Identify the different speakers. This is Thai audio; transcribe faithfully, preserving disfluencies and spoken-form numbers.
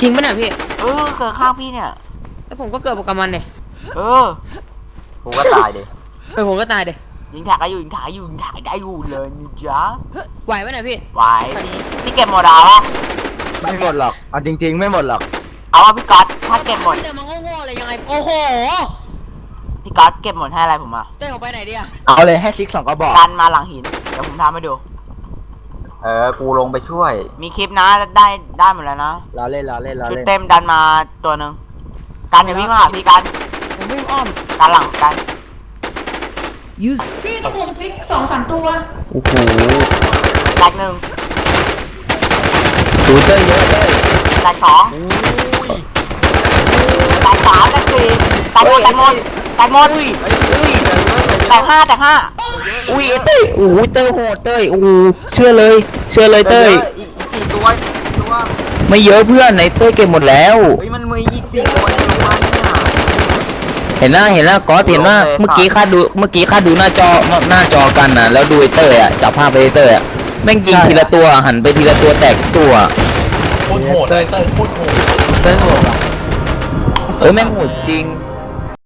Speaker 1: จริงปะเนี่ยพี่
Speaker 2: เออเกิดข้างพี่เนี่ย
Speaker 1: แล้วผมก็เกิดกับมันเนี่ย
Speaker 2: เออ
Speaker 3: กูก็ตายดิ
Speaker 1: เออผมก็ตายเดี๋ย
Speaker 2: ยิงถ่ายก็อยู่ยิงถ่ายอยู่ยิงถ่ายได้อยู่เลยนี่จ๊ะ
Speaker 1: ไหวปะเนี่ยพี่
Speaker 2: ไหวพี่เก็บหมดเอาวะ
Speaker 3: ไม่หมดหรอกเอาจริงๆไม่หมดหรอก
Speaker 2: เอาว่าพี่ก๊อตถ้าเก็บหมด
Speaker 1: แต่มันโง่ๆเลยยังไงโอ้โห
Speaker 2: พี่ก๊อตเก็บหมดให้อะไรผมอ่ะ
Speaker 1: เต้ออกไปไหนดิอะ
Speaker 3: เอาเลยให้ซิกสองกระบอก
Speaker 2: ดันมาหลังหินเดี๋ยวผมทำให้ดู
Speaker 3: เออกูลงไปช่วย
Speaker 2: มีคลิปนะได้ได้หมดแล้วนะ
Speaker 3: รอเล่นรอเล่นรอ
Speaker 2: ชุด
Speaker 3: เล่น
Speaker 2: เต็มดันมาตัวหนึ่งกันอย่าวิ่งมาหาพี่กัน
Speaker 1: ผมวิ่งอ้อม
Speaker 2: กันหลังกัน
Speaker 1: พี่ตัวผมฟิกสองสามตัว
Speaker 3: โอ้โห
Speaker 2: แตกหนึ่ง
Speaker 3: ดูเตอร์เยอะเลย
Speaker 2: แตกสองแตกสามแตกสี่แตกหมดแตกหมดแตกหมดแตกห้าแตกห้า
Speaker 3: อุ้ยเต้ยโอ้ยเต้ยโหดเต้ยโอ้เชื่อเลยเชื่อเลยเต้ยอีกสี่ตัวตัวไม่เยอะเพื่อนในเต้ยเก็บหมดแล้วเฮ้ยมันมีอีกสี่ตัวในโรงพยาบาลเห็นหน้าเห็นแล้วก็เห็นว่าเมื่อกี้ข้าดูเมื่อกี้ข้าดูหน้าจอหน้าจอกันนะแล้วดูไอเต้ยอ่ะจับภาพไปเต้ยอ่ะแม่งยิงทีละตัวหันไปทีละตัวแตกตัว
Speaker 4: โคตรโหดเลยเต้ยโคตรโหด
Speaker 3: เต้ยโหดอ่ะเออแม่งโหดจริง